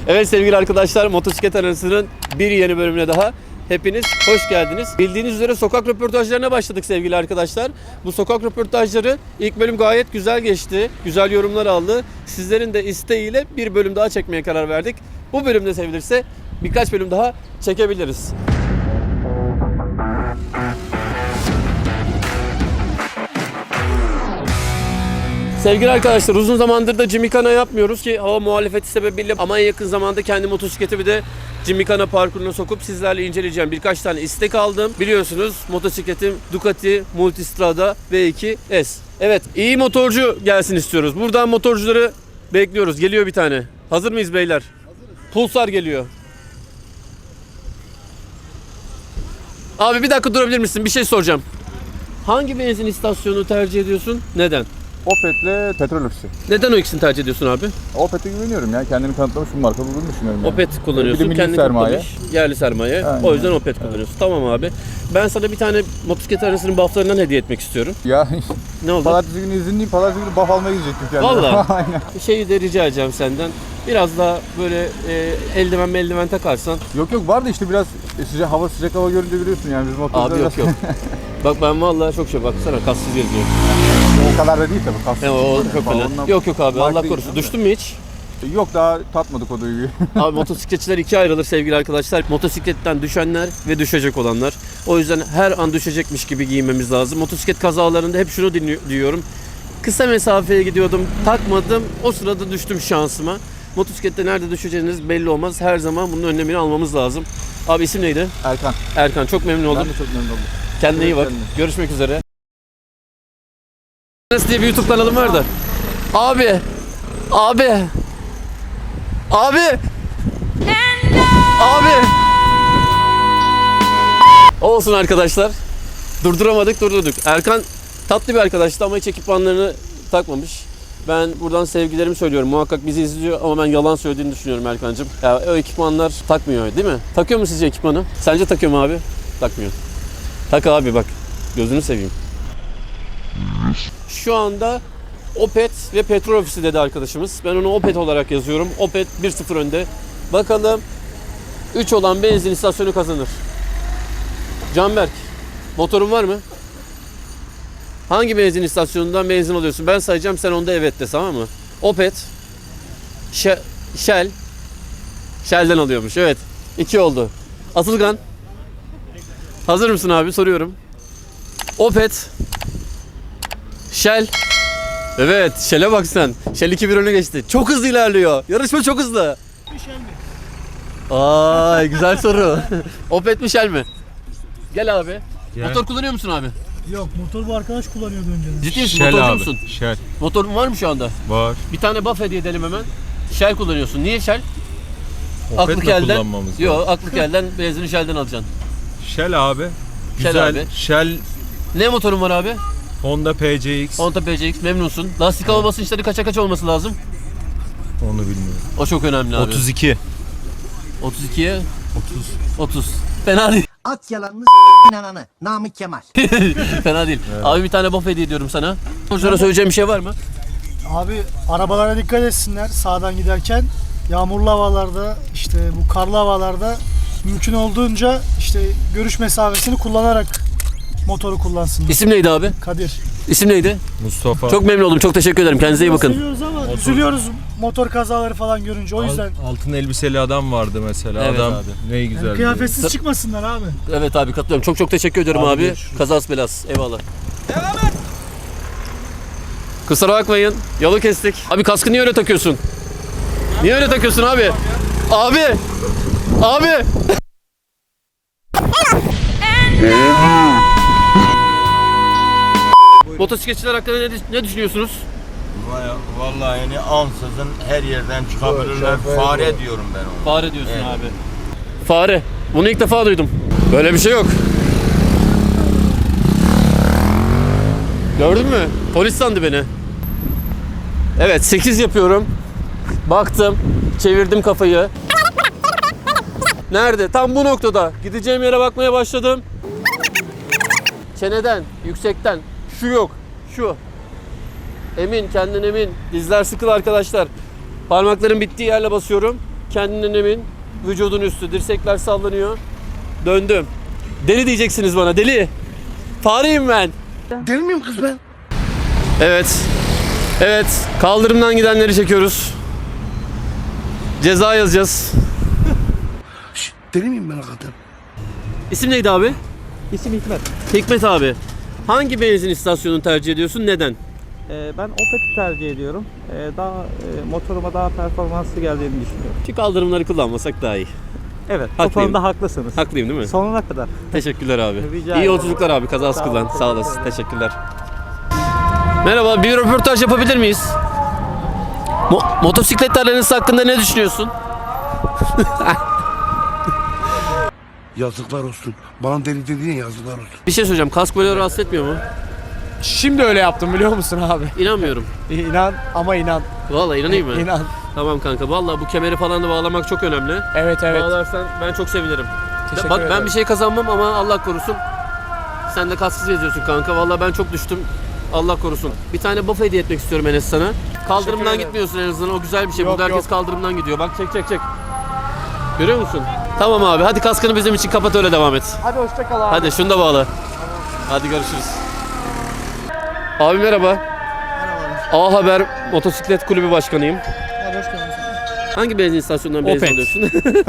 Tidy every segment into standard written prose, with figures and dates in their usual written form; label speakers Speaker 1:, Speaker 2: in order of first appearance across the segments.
Speaker 1: Evet sevgili arkadaşlar, motosiklet arasının bir yeni bölümüne daha hepiniz hoş geldiniz. Bildiğiniz üzere sokak röportajlarına başladık sevgili arkadaşlar. Bu sokak röportajları ilk bölüm gayet güzel geçti. Güzel yorumlar aldı. Sizlerin de isteğiyle bir bölüm daha çekmeye karar verdik. Bu bölümde sevilirse birkaç bölüm daha çekebiliriz. Sevgili arkadaşlar, uzun zamandır da Gymkhana yapmıyoruz ki hava muhalefeti sebebiyle, ama en yakın zamanda kendi motosikletimi de Gymkhana parkuruna sokup sizlerle inceleyeceğim. Birkaç tane istek aldım. Biliyorsunuz motosikletim Ducati Multistrada V2S. Evet, iyi motorcu gelsin istiyoruz. Buradan motorcuları bekliyoruz. Geliyor bir tane. Hazır mıyız beyler? Hazırız. Pulsar geliyor. Abi bir dakika durabilir misin? Bir şey soracağım. Hangi benzin istasyonunu tercih ediyorsun? Neden?
Speaker 2: Opet'le petrol ofisi.
Speaker 1: Neden o ikisini tercih ediyorsun abi?
Speaker 2: Opet'e güveniyorum ya. Kendini kanıtlamış bir marka olduğunu düşünüyorum yani.
Speaker 1: Opet kullanıyorsun. Kendini
Speaker 2: sermaye.
Speaker 1: kanıtlamış, yerli sermaye.
Speaker 2: Aynen.
Speaker 1: O yüzden Opet kullanıyorsun. Tamam abi. Ben sana bir tane motosiklet arasının bufflarından hediye etmek istiyorum.
Speaker 2: Ya
Speaker 1: Ne oldu?
Speaker 2: pazartesi günü izinliyim. Pazartesi günü buff almaya gidecektim kendime.
Speaker 1: Vallahi.
Speaker 2: Aynen.
Speaker 1: Şeyi de rica edeceğim senden. Biraz daha böyle eldiven takarsan.
Speaker 2: Yok vardı işte biraz sıcak hava görünce biliyorsun yani biz motorda.
Speaker 1: Abi yok. Bak ben vallahi çok baksana kassız geziyorum.
Speaker 2: O kadar da değil tabii. Kastık.
Speaker 1: O çok fena. Yok abi, Allah korusun. Düştün mü hiç?
Speaker 2: Yok daha tatmadık o duyguyu.
Speaker 1: Abi motosikletçiler ikiye ayrılır sevgili arkadaşlar. Motosikletten düşenler ve düşecek olanlar. O yüzden her an düşecekmiş gibi giyinmemiz lazım. Motosiklet kazalarında hep şunu diyorum. Kısa mesafeye gidiyordum, takmadım. O sırada düştüm şansıma. Motosiklette nerede düşeceğiniz belli olmaz. Her zaman bunun önlemini almamız lazım. Abi isim neydi?
Speaker 2: Erkan.
Speaker 1: Erkan, çok memnun oldum.
Speaker 2: Ben de çok memnun oldum.
Speaker 1: Kendine iyi bak. Görüşmek üzere. Diye bir YouTube kanalım var da. Abi. Abi. Olsun arkadaşlar. Durdurduk. Erkan tatlı bir arkadaştı ama hiç ekipmanlarını takmamış. Ben buradan sevgilerimi söylüyorum. Muhakkak bizi izliyor ama ben yalan söylediğini düşünüyorum Erkan'cığım. Ya o ekipmanlar takmıyor değil mi? Takıyor mu sizce ekipmanı? Sence takıyor mu abi? Takmıyor. Tak abi bak. Gözünü seveyim. Şu anda Opet ve petrol ofisi dedi arkadaşımız. Ben onu Opet olarak yazıyorum. Opet 1-0 önde. Bakalım 3 olan benzin istasyonu kazanır. Canberk, motorun var mı? Hangi benzin istasyonundan benzin alıyorsun? Ben sayacağım, sen onda evet de, tamam mı? Opet, Shell. Shell'den alıyormuş, evet. 2 oldu. Atılgan. Hazır mısın abi? Soruyorum. Opet, Shell. Evet, Shell'e bak sen. Shell 2-1 öne geçti. Çok hızlı ilerliyor. Yarışma çok hızlı.
Speaker 3: Shell mi?
Speaker 1: Ay güzel soru. Opet mi Shell mi? Gel abi.
Speaker 4: Gel.
Speaker 1: Motor kullanıyor musun abi?
Speaker 3: Yok, motor bu arkadaş kullanıyordu önceden.
Speaker 1: Ciddi misin?
Speaker 4: Shell
Speaker 1: Motorcu
Speaker 4: abi.
Speaker 1: musun?
Speaker 4: Shell.
Speaker 1: Motorun var mı şu anda?
Speaker 4: Var.
Speaker 1: Bir tane buff hediye edelim hemen. Shell kullanıyorsun. Niye Shell?
Speaker 4: Opet'le
Speaker 1: Aklık elden.
Speaker 4: kullanmamız lazım.
Speaker 1: Yok, aklık elden benzini Shell'den alacaksın.
Speaker 4: Shell abi.
Speaker 1: Shell
Speaker 4: Güzel.
Speaker 1: abi.
Speaker 4: Shell
Speaker 1: Ne motorun var abi?
Speaker 4: Honda PCX.
Speaker 1: Honda PCX, memnunsun. Lastik hava basınçları kaça olması lazım?
Speaker 4: Onu bilmiyorum.
Speaker 1: O çok önemli abi.
Speaker 4: 32.
Speaker 1: 32'ye 30. Fena değil.
Speaker 5: At yalanını inananı. Namık Kemal.
Speaker 1: Fena değil. Evet. Abi bir tane buff hediye ediyorum sana. Sonra söyleyeceğim bir şey var mı?
Speaker 3: Abi arabalara dikkat etsinler sağdan giderken. Yağmurlu havalarda, işte bu karlı havalarda mümkün olduğunca işte görüş mesafesini kullanarak motoru kullansınlar.
Speaker 1: İsim neydi abi?
Speaker 3: Kadir.
Speaker 1: İsim neydi?
Speaker 4: Mustafa.
Speaker 1: Çok memnun oldum. Çok teşekkür ederim. Kendinize iyi bakın.
Speaker 3: Seviyoruz ama üzülüyoruz motor kazaları falan görünce, o yüzden.
Speaker 4: Altın elbiseli adam vardı mesela.
Speaker 1: Evet
Speaker 4: adam
Speaker 1: abi.
Speaker 4: ne güzel.
Speaker 3: Yani kıyafetsiz çıkmasınlar abi.
Speaker 1: Evet abi, katılıyorum. Çok teşekkür ediyorum abi.
Speaker 4: Görüşürüz.
Speaker 1: Kazas belas. Eyvallah. Devam et. Kusura bakmayın. Yolu kestik. Abi kaskı niye öyle takıyorsun? Niye öyle takıyorsun abi? Abi. Motosikletçiler hakkında ne düşünüyorsunuz?
Speaker 6: Vallahi yani ansızın her yerden çıkabilirler. Fare diyorum ben ona.
Speaker 1: Fare diyorsun
Speaker 6: Evet.
Speaker 1: abi. Fare. Bunu ilk defa duydum. Böyle bir şey yok. Gördün mü? Polis sandı beni. Evet, 8 yapıyorum. Baktım, çevirdim kafayı. Nerede? Tam bu noktada. Gideceğim yere bakmaya başladım. Çeneden, yüksekten. Şu yok, şu. Emin, kendin emin. Dizler sıkılı arkadaşlar. Parmakların bittiği yerle basıyorum. Kendinden emin. Vücudun üstü. Dirsekler sallanıyor. Döndüm. Deli diyeceksiniz bana. Deli. Fareyim ben.
Speaker 5: Deli miyim kız ben?
Speaker 1: Evet. Evet. Kaldırımdan gidenleri çekiyoruz. Ceza yazacağız.
Speaker 5: Deli miyim ben hakikaten?
Speaker 1: İsim neydi abi?
Speaker 7: İsim Hikmet.
Speaker 1: Hikmet abi. Hangi benzin istasyonunu tercih ediyorsun? Neden?
Speaker 7: Ben Opet'i tercih ediyorum. Motoruma daha performanslı geldiğini düşünüyorum.
Speaker 1: Şu kaldırımları kullanmasak daha iyi.
Speaker 7: Evet,
Speaker 1: Haklıyım.
Speaker 7: o konuda haklısınız.
Speaker 1: Haklıyım değil mi?
Speaker 7: Sonuna kadar.
Speaker 1: Teşekkürler abi.
Speaker 7: Rica
Speaker 1: İyi
Speaker 7: ederim.
Speaker 1: yolculuklar abi. Kazası
Speaker 7: Sağ olun.
Speaker 1: kullan. Sağ olasın. Teşekkürler. Merhaba. Bir röportaj yapabilir miyiz? Motosiklet aranız hakkında ne düşünüyorsun?
Speaker 5: Yazıklar olsun. Bana deli dediğin yazıklar olsun.
Speaker 1: Bir şey söyleyeceğim. Kask böyle rahatsız etmiyor mu?
Speaker 2: Şimdi öyle yaptım biliyor musun abi?
Speaker 1: İnanmıyorum.
Speaker 2: İnan ama inan.
Speaker 1: Vallahi inanayım mı?
Speaker 2: İnan.
Speaker 1: Tamam kanka. Vallahi bu kemeri falan da bağlamak çok önemli.
Speaker 2: Evet evet.
Speaker 1: Bağlarsan ben çok sevinirim.
Speaker 2: Teşekkür
Speaker 1: Bak ben
Speaker 2: ederim.
Speaker 1: bir şey kazanmam ama Allah korusun. Sen de kasksız geziyorsun kanka. Vallahi ben çok düştüm. Allah korusun. Bir tane buff hediye etmek istiyorum Enes sana. Kaldırımdan
Speaker 2: ederim.
Speaker 1: gitmiyorsun en azından. O güzel bir şey.
Speaker 2: Yok,
Speaker 1: Burada herkes
Speaker 2: yok.
Speaker 1: kaldırımdan gidiyor. Bak çek. Görüyor musun? Tamam abi. Hadi kaskını bizim için kapat öyle devam et.
Speaker 2: Hadi hoşça kal abi.
Speaker 1: Hadi şunu da bağla. Hadi görüşürüz. Abi merhaba. A Haber Motosiklet Kulübü Başkanıyım.
Speaker 3: Abi hoş geldiniz.
Speaker 1: Hangi benzin istasyonundan benzin
Speaker 2: Opet.
Speaker 1: alıyorsun?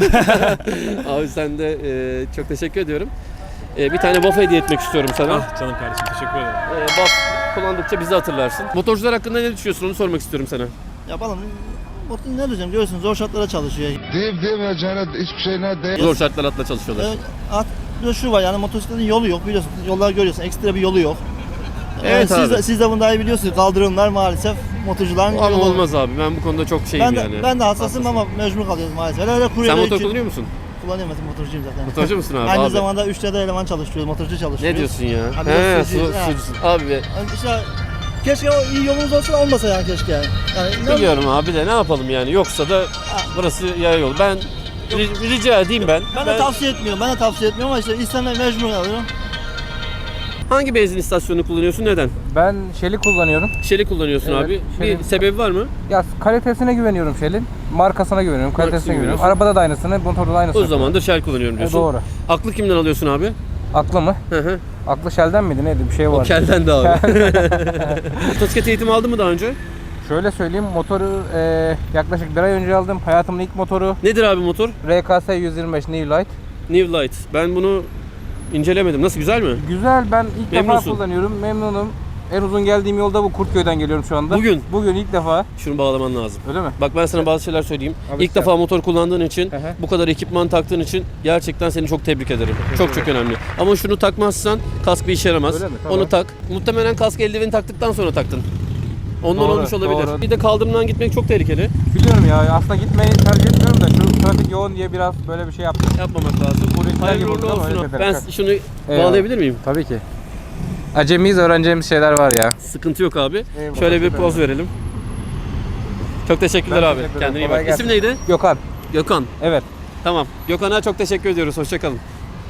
Speaker 1: Abi sen de çok teşekkür ediyorum. Bir tane buff hediye etmek istiyorum sana.
Speaker 4: Ah canım kardeşim teşekkür ederim.
Speaker 1: Buff kullandıkça bizi hatırlarsın. Motorcular hakkında ne düşünüyorsun onu sormak istiyorum sana.
Speaker 8: Yapalım. Ne diyeceğim görüyorsunuz zor şartlara çalışıyor.
Speaker 9: Deyip demeyeceğine hiçbir şeyine değil.
Speaker 1: Zor şartlar altında çalışıyorlar.
Speaker 8: Bir de şu var yani motosikletin yolu yok biliyorsun. Yollar görüyorsun ekstra bir yolu yok.
Speaker 1: Evet abi.
Speaker 8: Siz de bunu daha iyi biliyorsunuz. Kaldırımlar maalesef motorcuların
Speaker 1: Ama
Speaker 8: yolu.
Speaker 1: olmaz abi. Ben bu konuda çok şeyim yani.
Speaker 8: Ben de hassasım ama mecbur kalıyoruz maalesef. Öyle
Speaker 1: Sen
Speaker 8: kuryeler
Speaker 1: motor
Speaker 8: için
Speaker 1: kullanıyor musun?
Speaker 8: kullanıyorum mesela motorcuyum zaten.
Speaker 1: Motorcu musun abi?
Speaker 8: Aynı
Speaker 1: Abi.
Speaker 8: zamanda 3'te eleman çalıştırıyoruz, motorcu çalıştırıyoruz.
Speaker 1: Ne diyorsun ya?
Speaker 8: Abi
Speaker 1: He,
Speaker 8: yok, sucuğuz, ha.
Speaker 1: sucusun. Abi
Speaker 8: Yani işte keşke o iyi yolumuz olsa olmasa yani keşke yani.
Speaker 1: biliyorum abi de ne yapalım yani. Yoksa da burası yaya yolu. Ben rica edeyim ben.
Speaker 8: Ben de tavsiye etmiyorum. Ama işte insanlar mecbur kalıyor.
Speaker 1: Hangi benzin istasyonunu kullanıyorsun? Neden?
Speaker 10: Ben Shell'i kullanıyorum.
Speaker 1: Shell'i kullanıyorsun
Speaker 10: Evet,
Speaker 1: abi.
Speaker 10: Shell'i-
Speaker 1: Bir sebebi var mı?
Speaker 10: Ya kalitesine güveniyorum Shell'in. Markasına güveniyorum, kalitesine güveniyorum.
Speaker 1: güveniyorsun.
Speaker 10: Arabada da aynısını, motorda da aynısını.
Speaker 1: O zamandır Shell kullanıyorum diyorsun.
Speaker 10: Doğru.
Speaker 1: Aklı kimden alıyorsun abi?
Speaker 10: Aklı mı?
Speaker 1: Hı hı.
Speaker 10: Aklı Shell'den miydi neydi? Bir şey
Speaker 1: O
Speaker 10: var.
Speaker 1: kelden de abi. Motosiklet eğitimi aldın mı daha önce?
Speaker 10: Şöyle söyleyeyim, motoru yaklaşık bir ay önce aldım. Hayatımın ilk motoru
Speaker 1: Nedir abi motor?
Speaker 10: RKS 125 New Light.
Speaker 1: New Light. Ben bunu incelemedim. Nasıl, güzel mi?
Speaker 10: Güzel, ben ilk
Speaker 1: Memnunsun.
Speaker 10: defa kullanıyorum. Memnunum. En uzun geldiğim yolda bu Kurtköy'den geliyorum şu anda.
Speaker 1: Bugün?
Speaker 10: Bugün ilk defa.
Speaker 1: Şunu bağlaman lazım.
Speaker 10: Öyle mi?
Speaker 1: Bak ben sana bazı şeyler söyleyeyim.
Speaker 10: Abi
Speaker 1: İlk
Speaker 10: sen-
Speaker 1: defa motor kullandığın için,
Speaker 10: Hı hı.
Speaker 1: bu kadar ekipman taktığın için gerçekten seni çok tebrik ederim. Çok önemli. Ama şunu takmazsan kask bir işe yaramaz.
Speaker 10: Öyle mi? Tamam.
Speaker 1: Onu tak. Muhtemelen kask eldiveni taktıktan sonra taktın. Ondan
Speaker 10: Doğru,
Speaker 1: olmuş olabilir.
Speaker 10: doğru.
Speaker 1: Bir de kaldırımdan gitmek çok tehlikeli.
Speaker 10: Biliyorum ya, aslında gitmeyi tercih etmiyorum da şu trafik yoğun diye biraz böyle bir şey yaptım.
Speaker 1: Yapmamak lazım.
Speaker 10: Buradakiler
Speaker 1: Hayırlı
Speaker 10: gibi
Speaker 1: uğurlu
Speaker 10: oldu ama
Speaker 1: olsun.
Speaker 10: öyle
Speaker 1: Ben
Speaker 10: teferruat.
Speaker 1: şunu
Speaker 10: Eyvallah.
Speaker 1: bağlayabilir miyim?
Speaker 10: Tabii ki. Acemiyiz, öğreneceğimiz şeyler var ya.
Speaker 1: Sıkıntı yok abi.
Speaker 10: Eyvallah,
Speaker 1: Şöyle bir
Speaker 10: teşekkür
Speaker 1: poz verelim. Çok teşekkürler
Speaker 10: Ben
Speaker 1: abi.
Speaker 10: teşekkür ederim.
Speaker 1: Kendine iyi
Speaker 10: Kolay
Speaker 1: bak.
Speaker 10: gelsin.
Speaker 1: İsim neydi?
Speaker 10: Gökhan.
Speaker 1: Gökhan.
Speaker 10: Evet.
Speaker 1: Tamam. Gökhan'a çok teşekkür ediyoruz. Hoşçakalın.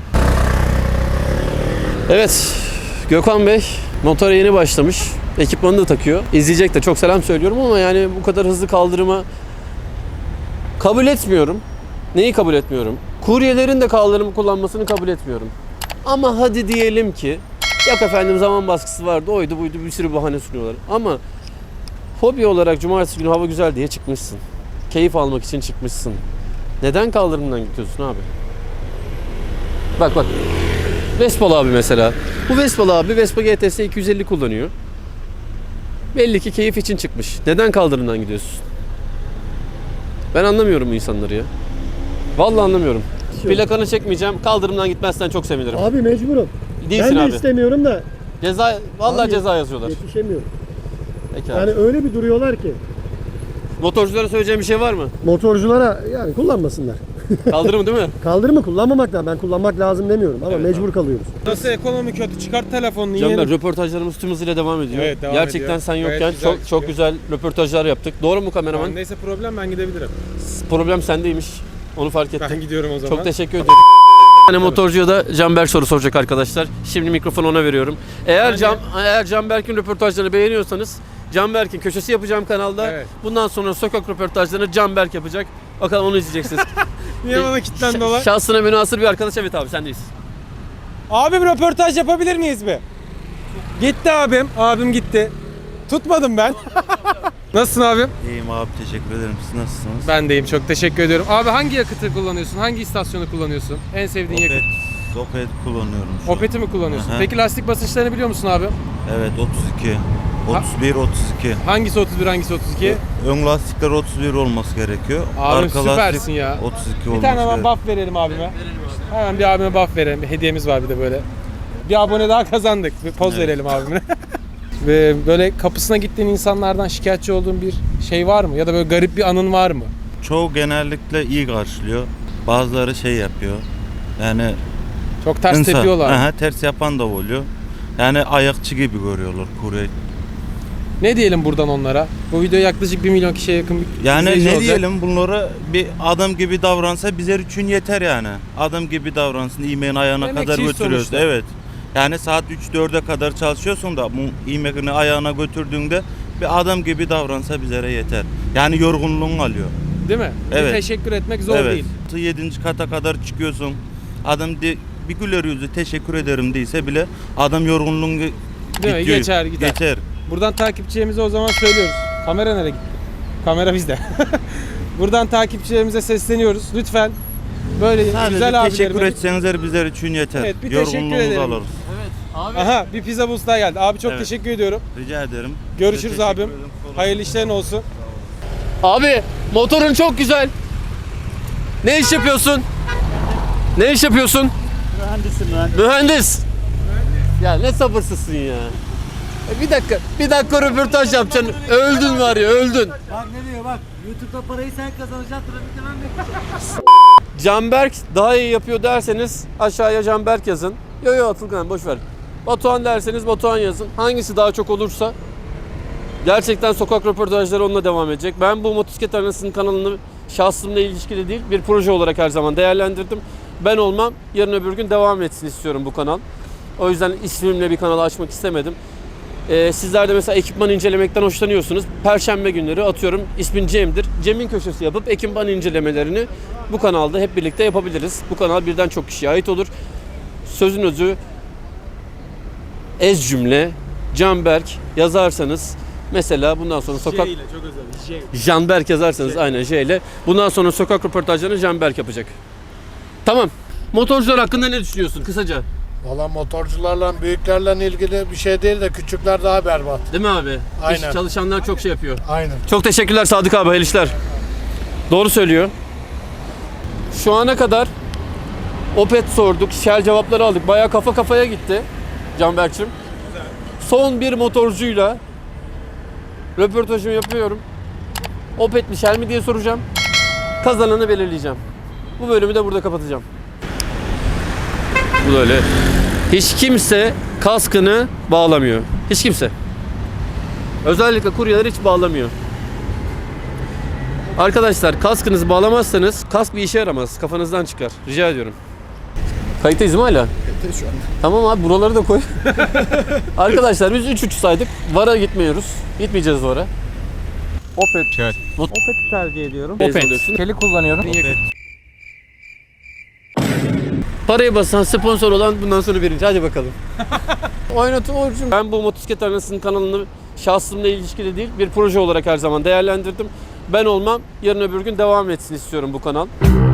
Speaker 1: Evet. Gökhan Bey motora yeni başlamış. Ekipmanını da takıyor. İzleyecek de, çok selam söylüyorum ama yani bu kadar hızlı kaldırıma kabul etmiyorum. Neyi kabul etmiyorum? Kuryelerin de kaldırımı kullanmasını kabul etmiyorum. Ama hadi diyelim ki yok efendim zaman baskısı vardı, oydu buydu, bir sürü bahane sunuyorlar. Ama hobi olarak cumartesi günü hava güzel diye çıkmışsın. Keyif almak için çıkmışsın. Neden kaldırımdan gidiyorsun abi? Bak. Vespalı abi mesela. Bu Vespalı abi Vespa GTS 250 kullanıyor. Belli ki keyif için çıkmış. Neden kaldırımdan gidiyorsun? Ben anlamıyorum bu insanları ya. Vallahi anlamıyorum. Plakanı çekmeyeceğim. Kaldırımdan gitmezsen çok sevinirim.
Speaker 3: Abi mecburum.
Speaker 1: Değilsin
Speaker 3: Ben de
Speaker 1: abi.
Speaker 3: istemiyorum da
Speaker 1: Ceza, vallahi
Speaker 3: Abi,
Speaker 1: ceza yazıyorlar.
Speaker 3: yetişemiyorum.
Speaker 1: Peki abi.
Speaker 3: Yani öyle bir duruyorlar ki
Speaker 1: Motorculara söyleyeceğim bir şey var mı?
Speaker 3: motorculara yani kullanmasınlar.
Speaker 1: Kaldırımı değil mi?
Speaker 3: Kaldırımı kullanmamak da ben kullanmak lazım demiyorum ama
Speaker 1: Evet
Speaker 3: mecbur kalıyoruz.
Speaker 2: Nasıl ekonomi kötü? Çıkart telefonunu
Speaker 1: Canber, röportajlarımız tüm hızıyla devam ediyor.
Speaker 2: Evet, devam
Speaker 1: Gerçekten
Speaker 2: ediyor.
Speaker 1: sen
Speaker 2: Gayet
Speaker 1: yokken
Speaker 2: güzel
Speaker 1: çok
Speaker 2: çıkıyor.
Speaker 1: güzel röportajlar yaptık. Doğru mu kameraman?
Speaker 2: Neyse problem ben gidebilirim.
Speaker 1: Problem sendeymiş. Onu fark ettim.
Speaker 2: Ben gidiyorum o zaman.
Speaker 1: Çok teşekkür ederim. Bir tane motorcuya da Canberk soru soracak arkadaşlar. Şimdi mikrofonu ona veriyorum. Eğer Canberk'in röportajlarını beğeniyorsanız Canberk'in köşesi yapacağım kanalda.
Speaker 11: Evet.
Speaker 1: Bundan sonra sokak röportajlarını Canberk yapacak. Bakalım onu izleyeceksiniz.
Speaker 11: Niye bana kilitlendi olay?
Speaker 1: Şahsına münasır bir arkadaş. Evet abi sendeyiz.
Speaker 11: Abim röportaj yapabilir miyiz bir? Gitti abim. Abim gitti. Tutmadım ben. Nasılsın abim?
Speaker 6: İyiyim abi, teşekkür ederim. Siz nasılsınız?
Speaker 11: Ben deyim. Çok teşekkür ediyorum. Abi hangi yakıtı kullanıyorsun? Hangi istasyonu kullanıyorsun? En sevdiğin yakıt?
Speaker 6: Opet kullanıyorum şu an.
Speaker 11: Opet'i mi kullanıyorsun?
Speaker 6: Aha.
Speaker 11: Peki lastik basınçlarını biliyor musun abi?
Speaker 6: Evet, 32. 31, 32.
Speaker 11: Hangisi 31, hangisi 32?
Speaker 6: Ön lastikler 31 olması gerekiyor.
Speaker 11: Abim
Speaker 6: Arka
Speaker 11: süpersin
Speaker 6: lastik
Speaker 11: ya.
Speaker 6: 32
Speaker 11: Bir
Speaker 6: olması
Speaker 11: tane hemen
Speaker 6: gerekiyor.
Speaker 11: buff verelim abime. Hemen bir abime buff verelim. Bir hediyemiz var bir de böyle. Bir abone daha kazandık. Bir poz verelim abime. Ve böyle kapısına gittiğin insanlardan şikayetçi olduğun bir şey var mı? Ya da böyle garip bir anın var mı?
Speaker 6: Çoğu genellikle iyi karşılıyor. Bazıları şey yapıyor. Yani
Speaker 11: Çok ters tepiyorlar.
Speaker 6: Aha, ters yapan da oluyor. Yani ayakçı gibi görüyorlar kurye.
Speaker 11: Ne diyelim buradan onlara? Bu video yaklaşık 1 milyon kişiye yakın bir
Speaker 6: Yani
Speaker 11: izleyici
Speaker 6: ne
Speaker 11: olacak.
Speaker 6: diyelim, bunlara bir adam gibi davransa bizler için yeter yani. Adam gibi davransın, yemeğin ayağına kadar
Speaker 11: Emekçiyiz
Speaker 6: götürüyoruz.
Speaker 11: sonuçta.
Speaker 6: Evet. Yani saat 3-4'e kadar çalışıyorsun da bu yemeğini ayağına götürdüğünde bir adam gibi davransa bizlere yeter. Yani yorgunluğun alıyor.
Speaker 11: Değil mi?
Speaker 6: Evet.
Speaker 11: Bir teşekkür etmek zor
Speaker 6: Evet.
Speaker 11: değil.
Speaker 6: 7. kata kadar çıkıyorsun. Adam bir güler yüzü teşekkür ederim değilse bile adam yorgunluğun
Speaker 11: Değil mi? Geçer gider.
Speaker 6: Geçer.
Speaker 11: Buradan takipçilerimize o zaman söylüyoruz. Kamera nereye gitti? Kamera bizde. Buradan takipçilerimize sesleniyoruz. Lütfen böyle
Speaker 6: Sadece
Speaker 11: güzel
Speaker 6: teşekkür
Speaker 11: abilerime...
Speaker 6: etseniz bizler için yeter.
Speaker 11: Evet, bir teşekkür
Speaker 6: Yorgunluğumuzu
Speaker 11: edelim.
Speaker 6: alırız.
Speaker 1: Abi.
Speaker 11: Aha bir pizza boost daha geldi. Abi çok
Speaker 6: Evet.
Speaker 11: teşekkür ediyorum.
Speaker 6: Rica ederim.
Speaker 11: Görüşürüz
Speaker 6: Size teşekkür
Speaker 11: abim.
Speaker 6: ederim.
Speaker 11: Hayırlı işlerin olsun.
Speaker 1: Abi motorun çok güzel. Ne iş yapıyorsun? Ne iş yapıyorsun?
Speaker 8: Mühendisim
Speaker 1: Mühendis. Ya ne sabırsızsın ya. Bir dakika röportaj yapacaksın. Öldün var ya, öldün.
Speaker 8: Bak ne diyor bak. YouTube'da parayı sen kazanacaksın. Trafikte ben bekleyeceğim.
Speaker 1: Canberk daha iyi yapıyor derseniz aşağıya Canberk yazın. Yo Atılgan boş ver. Batuhan derseniz Batuhan yazın. Hangisi daha çok olursa gerçekten sokak röportajları onunla devam edecek. Ben bu Motosiklet Arenası'nın kanalını şahsımla ilişkili değil bir proje olarak her zaman değerlendirdim. Ben olmam, yarın öbür gün devam etsin istiyorum bu kanal. O yüzden ismimle bir kanal açmak istemedim. Sizler de mesela ekipman incelemekten hoşlanıyorsunuz. Perşembe günleri atıyorum ismin Cem'dir. Cem'in köşesi yapıp ekipman incelemelerini bu kanalda hep birlikte yapabiliriz. Bu kanal birden çok kişiye ait olur. Sözün özü ez cümle Canberk yazarsanız mesela bundan sonra sokak
Speaker 11: çok özel.
Speaker 1: Canberk yazarsanız aynen J ile bundan sonra sokak röportajlarını Canberk yapacak. Tamam. Motorcular hakkında ne düşünüyorsun kısaca?
Speaker 9: Valla motorcularla büyüklerle ilgili bir şey değil de küçükler daha berbat.
Speaker 1: Değil mi abi?
Speaker 9: Aynen.
Speaker 1: İş çalışanlar çok şey yapıyor.
Speaker 9: Aynen.
Speaker 1: Çok teşekkürler Sadık abi, hayırlı işler. Doğru söylüyor. Şu ana kadar Opet sorduk, Shell cevapları aldık. Bayağı kafa kafaya gitti Canberk'cim. Son bir motorcuyla röportajımı yapıyorum. Opet mi Shell mi diye soracağım. Kazananı belirleyeceğim. Bu bölümü de burada kapatacağım. Bu böyle. Hiç kimse kaskını bağlamıyor. Hiç kimse. Özellikle kuryeler hiç bağlamıyor. Arkadaşlar kaskınızı bağlamazsanız kask bir işe yaramaz. Kafanızdan çıkar. Rica ediyorum. Kayıttayız mı hala?
Speaker 9: Kayıttayız şu an.
Speaker 1: Tamam abi buraları da koy. Arkadaşlar biz 3 saydık. VAR'a gitmiyoruz. Gitmeyeceğiz VAR'a.
Speaker 10: Opet.
Speaker 4: Shell.
Speaker 7: Opet'i tercih ediyorum.
Speaker 1: Opet. alıyorsun.
Speaker 10: Shell'i kullanıyorum.
Speaker 1: Parayı basan, sponsor olan bundan sonra birinci. Hadi bakalım. Oynatın Orçun. Ben bu Motosiklet Arenası'nın kanalını şahsımla ilişkili değil bir proje olarak her zaman değerlendirdim. Ben olmam, yarın öbür gün devam etsin istiyorum bu kanal.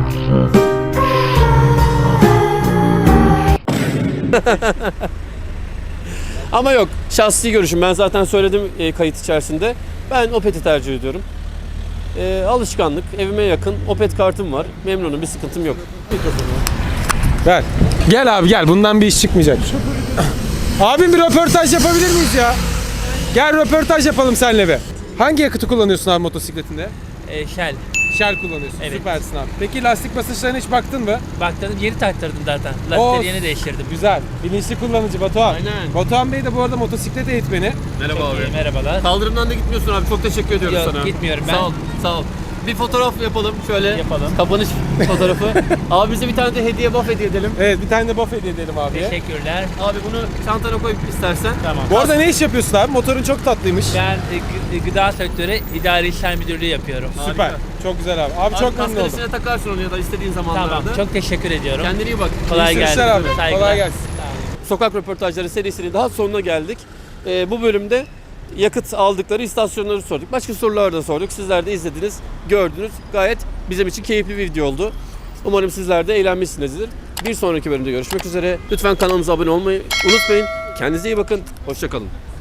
Speaker 1: Ama yok, şahsi görüşüm. Ben zaten söyledim kayıt içerisinde. Ben Opet'i tercih ediyorum. Alışkanlık, evime yakın. Opet kartım var. Memnunum, bir sıkıntım yok.
Speaker 11: Ver. Gel abi gel. Bundan bir iş çıkmayacak. Abim bir röportaj yapabilir miyiz ya? Gel röportaj yapalım seninle bir. Hangi yakıtı kullanıyorsun abi motosikletinde?
Speaker 12: Shell.
Speaker 11: Shell kullanıyorsun.
Speaker 12: Evet.
Speaker 11: Süpersin abi. Peki lastik basınçlarına hiç baktın mı?
Speaker 12: Baktım yeni taktırdım zaten.
Speaker 11: Oo,
Speaker 12: Lastikleri yeni değiştirdim.
Speaker 11: Güzel. Bilinçli kullanıcı Batuhan.
Speaker 1: Aynen.
Speaker 11: Batuhan Bey de bu arada motosiklet eğitmeni.
Speaker 1: Merhaba
Speaker 12: Çok
Speaker 1: abi.
Speaker 12: iyi, merhabalar.
Speaker 1: Kaldırımdan da gitmiyorsun abi. Çok teşekkür ediyoruz
Speaker 12: Yok,
Speaker 1: sana.
Speaker 12: gitmiyorum ben.
Speaker 1: Sağ ol. Sağ ol. Bir fotoğraf yapalım şöyle.
Speaker 12: Yapalım.
Speaker 1: Kapanış fotoğrafı. Abi bize bir tane de hediye buff hediye edelim.
Speaker 11: Evet, bir tane de buff hediye edelim abiye.
Speaker 12: Teşekkürler.
Speaker 1: Abi bunu çantana koyup istersen.
Speaker 12: Tamam.
Speaker 11: Bu arada ne iş yapıyorsun abi? Motorun çok tatlıymış.
Speaker 12: Ben gıda sektörü idari işlem müdürlüğü yapıyorum.
Speaker 11: Süper. Çok güzel abi. Abi çok memnun oldum.
Speaker 1: Kaskın takarsın onu ya da istediğin zamanlarda.
Speaker 12: Tamam. Çok teşekkür ediyorum.
Speaker 1: Kendine iyi bak.
Speaker 12: Kolay
Speaker 11: İyi
Speaker 12: gelsin.
Speaker 11: sürüşler abi.
Speaker 12: Saygılar.
Speaker 11: Kolay gelsin.
Speaker 1: Sokak röportajları serisinin daha sonuna geldik. Bu bölümde yakıt aldıkları istasyonları sorduk. Başka sorular da sorduk. Sizler de izlediniz, gördünüz. Gayet bizim için keyifli bir video oldu. Umarım sizler de eğlenmişsinizdir. Bir sonraki bölümde görüşmek üzere. Lütfen kanalımıza abone olmayı unutmayın. Kendinize iyi bakın. Hoşça kalın.